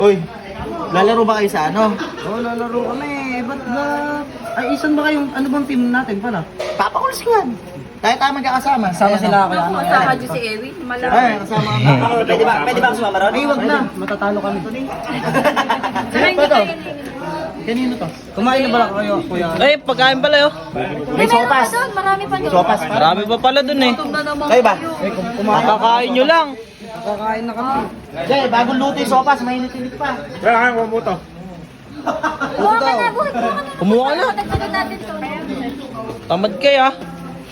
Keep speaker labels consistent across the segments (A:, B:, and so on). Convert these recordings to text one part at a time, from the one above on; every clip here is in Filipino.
A: Uy, lalaro ba kayo sa ano?
B: Oo, lalaro kami. Ba't ba? Ay, isan ba kayong, ano bang team natin pala?
A: Papakulis ko yan. Tayo tayo magkakasama.
B: Sama
A: Ayan,
B: sila
A: oh.
B: ako.
C: Ako, kasama dyan si Ewi.
A: Ay,
C: Malaki.
A: kasama ka. Pwede ba ako sumama ron?
B: Ay, wag na. Matatalo kami.
C: Sana hindi kayo
A: Kanino to?
B: Kumain na ba kayo, kuya?
D: Ay, pagkain pala yun.
A: May sopas.
C: Marami pa doon.
A: Sopas.
D: Marami pa pala dun eh.
C: Gutom na naman
A: Kayo ba?
B: Ay, kumain.
D: Makakain nyo lang.
B: Kakain na kami.
A: Jay, bagong luto yung sopas. Mainit-init pa.
C: Buhat mo na, buhat mo na.
D: Kumuha ka na.
C: Dagdagan natin to.
D: Tamad kayo ah.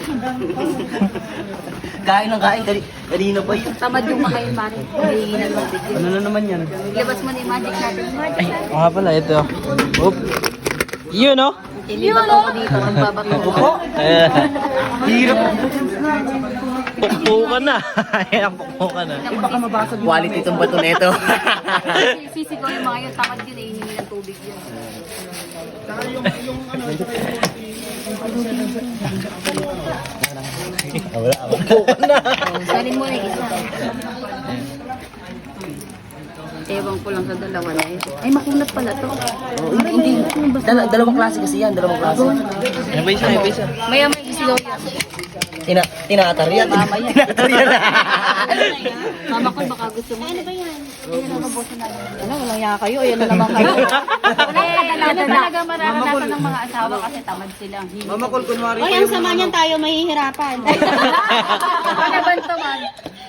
A: Kain ng kain. Kanina pa yun.
C: Tamad yung makain, Mari. Hindi na lang video.
B: Ano na naman yan?
C: Ilabas mo na yung magic natin. Magic natin.
D: Oo nga pala, ito. Oop. Yun oh.
C: Ilibat ako dito. Ang babato ko.
D: Hirap. Pukpo ka na. Ayan, pukpo ka na.
B: Baka mabasag yung
A: Quality itong bato nito.
C: Sisigaw yung mga yun. Tamad yun eh. Hihingi ng tubig yun. Salin mo na yung isa. Ewan ko lang sa dalawa na yun. Ay, makunat pala to. Hindi.
A: Dalawang klase kasi yan. Dalawang klase.
D: Ano ba isa? Ano ba isa?
C: Maya may isigaw yan.
A: Tinatar yan.
C: Mama yan.
A: Tinatar yan.
C: Mama ko baka gusto mo. Ano ba yan? Ano na mabuti na. Ano, walang yaka kayo. Ayan na naman kayo. Ano talaga mararanasan ng mga asawa kasi tamad silang hindi.
B: Mama Col, kunwari
E: Ay, ang sama niyan tayo mahihirapan.
C: Ano ba naman?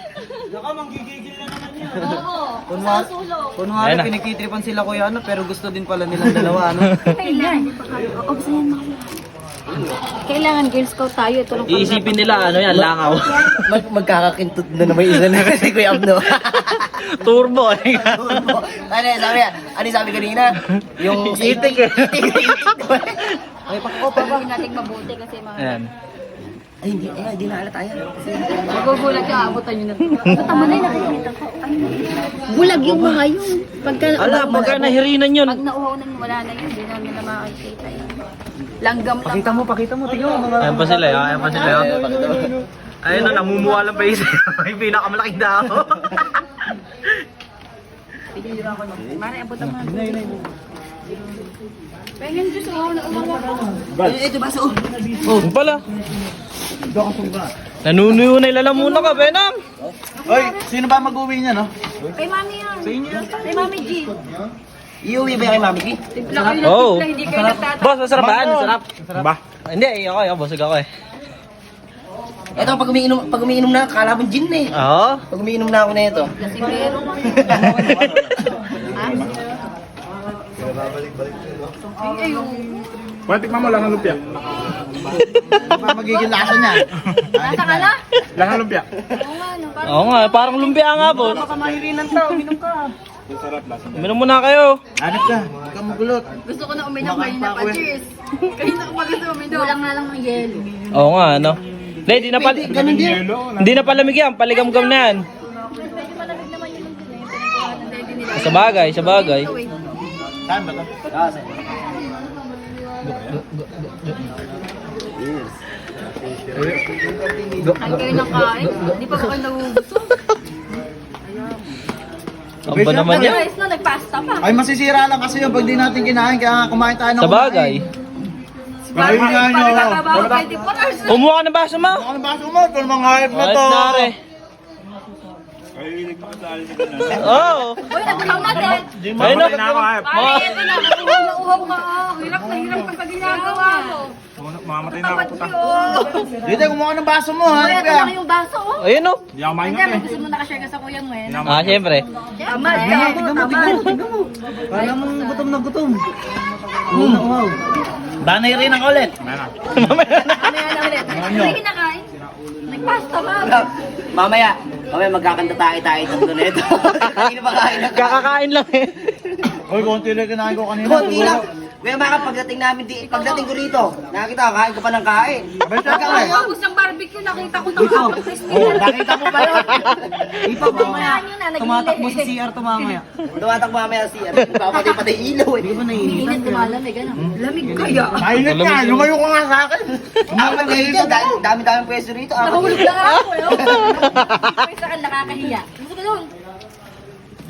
C: Oo.
B: Kunwari, kunwari
D: Ayan na.
B: pinikitripan sila kuya ano, pero gusto din pala nilang dalawa ano.
C: Kailan? O, basta yan mga kailangan Girl Scout tayo. Ito lang
D: Iisipin nila, ano yan, langaw.
A: Magkakakintot na naman isa na si Kuya Abno.
D: Turbo.
A: Ano sabi kanina? Yung
D: Itik eh.
A: Ay, pakopa ba?
C: Pagawin natin mabuti kasi mga
D: Ayan.
A: Ay, hindi naalala tayo.
C: magugulat ka, abutan nyo na. Tama na yung nakikita ko. Ay, bulag yung mga yun. Pagka,
D: Ala, pagka nahirinan yun.
C: pag nauhaw na wala na yun, hindi na nila makikita yun. Langgam lang.
B: Pakita mo, tingnan mo mga.
D: Ayan pa sila, ayan pa sila. Ayun na, namumuha lang pa isa. May pinakamalaking dao.
C: Mara, abutan mo. Pengen Diyos, uhaw na uhaw ako.
A: Ito ba sa
D: Yung pala. Nanunuyo na ilalamuna ka, Benam.
A: Oy, sino ba mag-uwi niya, no?
C: Kay Mami yan. Sa inyo? Kay Mami G.
A: Iuwi ba yan kay Mami Ki?
C: Timpla kayo ng
D: Oo.
C: timpla, hindi kayo nagtatapos.
D: Boss, masarap ba? Masarap. Ba? Hindi, ako, busog ako eh.
A: Ito, pag umiinom na, kala mo gin na eh.
D: Oo.
A: Pag umiinom na ako na ito.
C: Lasingero. Ay, ayun.
F: Tikman mo lang ang lumpia.
A: Magiging lasa niya.
C: Nasa ka na?
F: Lang ang lumpia.
C: Oo nga, no. Parang
D: Oo nga, parang lumpia nga, boss.
B: Baka mahirinan to, uminom ka.
D: Uminom muna kayo.
A: Hanap ka. Huwag kang magulot.
C: gusto ko na uminom kayo na pa. Cheers. Kayo na pa gusto uminom. Kulang nga lang ng yelo.
D: Oo nga, ano. Hindi, di na pala.
A: Ganun din.
D: Hindi na palamig yan, paligam-gam na yan.
C: Medyo malamig naman yung ready nila.
D: Sa bagay, sa bagay.
C: Ito, eh.
A: Saan ba ito?
C: Kain kayo ng kain. Hindi pa ba kayo nagugusok?
D: Ang ba naman yan?
C: Guys, no, nagpasta pa.
A: Ay, masisira lang kasi yun pag di natin kinain. Kaya nga kumain tayo ng
D: Sa bagay.
A: Ayun nga nyo.
C: Pagkakabaho 24 hours.
D: Kumuha ka ng baso mo.
A: Ano ba sumo? Ito mga hype na
D: Ay,
A: to.
D: nare. Oo.
C: Uy, nagulaw natin.
D: Ayun na.
C: Pare, ito na. Uhaw ka. Hirap na hirap ka sa ginagawa mo.
F: Mamamatay na ako puta.
A: Dito, kumuha ng baso mo.
C: Uy,
A: Hanap
C: ito
A: ka.
C: lang yung baso, oh.
D: Ayun o.
F: Hindi ako maingat
C: Hindi,
F: eh.
C: may gusto mo nakashare ka sa kuya mo, eh.
D: Ah, syempre.
C: Tamad ka mo, tamad.
B: Kala mo gutom na gutom. Wow.
A: Banay rin ang ulit.
C: Mamaya na ulit. Hindi kinakain. Nagpasta ba?
A: Mamaya magkakanta tayo dito na ito. Hindi na ba kain na
D: Kakakain lang eh.
A: Uy, konti lang kinain ko kanina.
G: Konti lang. Kaya mga pagdating ko rito, nakakita ko, kain ko pa ng kain.
C: Pagkakabos ng barbecue, nakita ko nakapag
A: Oh, nakita mo ba yun?
B: Ipa mamaya. Tumatakbo si CR to mamaya.
G: Tumatak mamaya siya. Papatay-patay ilaw eh.
B: Di ba naiinit?
C: Init lumalamig, ano? Lamig kaya.
A: Mainit ka, lumayo ka nga sa akin.
G: Dami-dami pwesto rito.
C: Nahulog lang ako, eh. May saan nakakahiya. Gusto ko doon.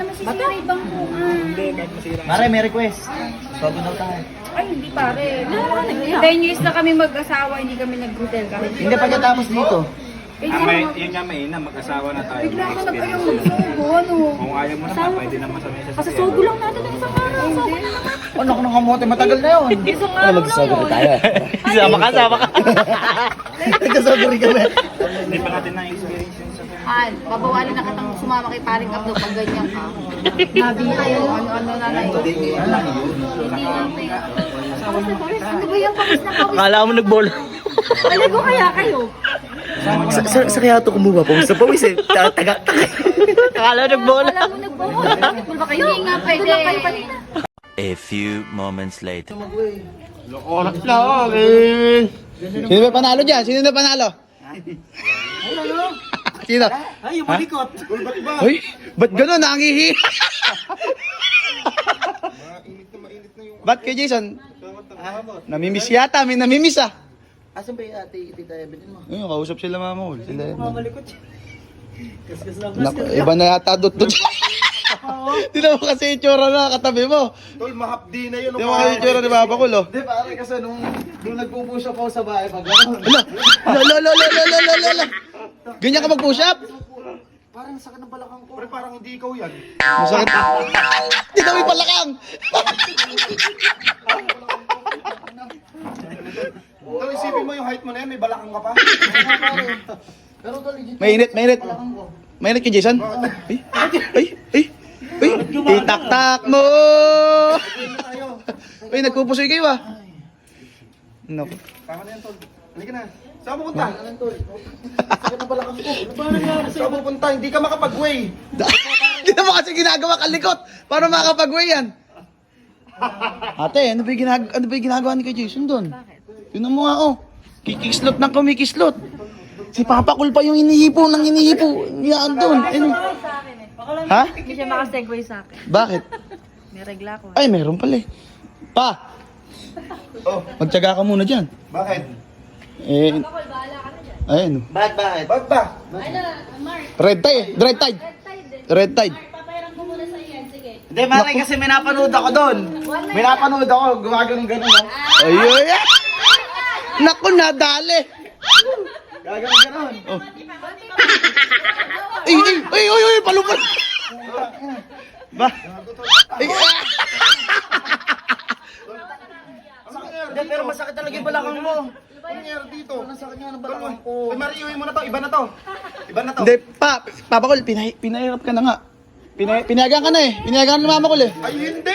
C: naman sisirain bangkuan.
B: Pare, may request. Sogo daw tayo.
C: Ay, hindi pare. 10 years na kami mag-asawa, hindi kami nag-hotel kahit.
B: Hindi pagkatapos dito.
F: Yun nga may ina, mag-asawa na tayo.
C: Bigla
F: May
C: ka nag-ayaw
F: experience.
C: magsugo, ano?
F: Kung ayaw mo naman, pwede naman sa mesa sa
C: Kasi sugo lang natin ng isang araw. Sugo na naman.
B: Ano ko ng kamote, matagal na yun.
C: Isang araw lang yun.
D: Sama ka, sama ka.
B: Nagkasogo rin kami.
F: Hindi pa natin na-experience yun sa
C: Babawalin na katang sumama kay paring Abdo pag ganyan ka. Nabi kayo, ano na lang. Ano ba yung pawis na pawis?
D: Akala mo nagbola.
C: Talago kaya kayo?
A: Sa kaya ito kumuha po sa pawis eh. Tagak.
D: Akala mo nagbola.
C: Alam mo nagbohol. Basketball ba kayo? Hindi nga pwede. Doon lang kayo kanina.
H: A few moments later.
B: Oras na ako, eh. Sino ba panalo dyan? Sino na panalo? Sino?
G: Ay, yung malikot.
B: Uy, ba't gano'n? Nangihi. Ba't kay Jason? Namimiss yata, may namimiss ah.
G: Asan ba yung ate Tita Evelyn mo?
B: Ayun, kausap sila mama ko. Sila yun. Naku, iba na yata dot. Hindi mo kasi itsura na katabi mo.
F: Tol, mahapdi na yun.
B: Hindi mo kasi itsura ni Papa ko, lo.
F: Hindi, pare, kasi nung nagpupush up ako sa bahay, pag gano'n.
B: Ala. Ganyan ka mag-push up?
F: Parang sakit ng balakang ko. Pre, parang hindi ikaw yan.
B: Masakit. Hindi kami palakang.
F: Tol, isipin mo yung height mo na yan, may balakang ka pa. Pero tol, legit.
B: Mainit. Mainit kay Jason? Ay. Itak-tak mo. Uy, nagpupusoy kayo ah. Naku.
F: Tama na yan, tol. Halika na. Saan mo punta? Sakit ng balakang ko. Ano ba nangyari sa'yo? Saan mo punta? Hindi ka makapag-way.
B: Hindi naman kasi ginagawa kalikot. Paano makakapag-way yan? Ate, ano ba yung ginagawa ni kay Jason doon? Yun mo nga oh. Kikislot ng kumikislot. Si Papa Cool pa yung inihipo. Yan doon. Ano? Ha?
C: Hindi siya makasegue sa akin.
B: Bakit?
C: May regla ko.
B: Ay, meron pala eh. Pa!
F: Oh,
B: Magtyaga ka muna dyan.
F: bakit?
B: Eh, ayun.
G: Bakit?
F: Bakit ba?
B: Red tide. Red tide.
G: Hindi, Mare, kasi may napanood ako doon.
F: May napanood ako, gumagano'n-gano'n.
B: Ay. Naku, nadali.
F: Gagano'n-gano'n.
B: Ay, palupad. Ba? Ay,
G: Hindi, pero masakit talaga yung balakang mo.
F: Ano nangyari dito?
G: Masakit nga ng balakang ko.
F: Uy, Mari, iuwi mo na to. Iba na to.
B: Hindi, Papa Cool, pinahirap ka na nga. Pinayagan ka na eh. Pinayagan ka na Mama Cool eh.
F: Ay, hindi!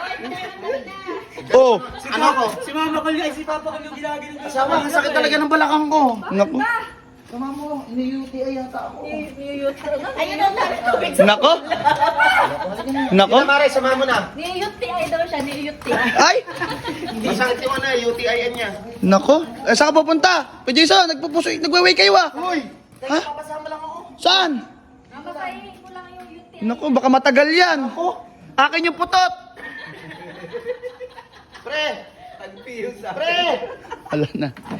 B: Oh,
G: Ano ko? Si Mama ko yung si Papa ko yung ginagano. Asawa, masakit talaga ng balakang ko.
B: naku. Tama mo, ini-UTI yata ako.
C: Ayun ang dami tubig.
B: Nako? Nako?
F: Mare, sama mo na.
C: Ni-UTI daw siya, ni-UTI.
B: Ay!
F: Masakit yung UTI niya.
B: Nako? Eh, saan ka pupunta? Kuya Jason, nagwe-wake kayo ah.
F: Uy!
B: Ha? Saan?
C: Mapapainin ko lang yung UTI.
B: Nako, baka matagal yan. Akin yung putot.
F: Pre! Pre!
B: Ala na.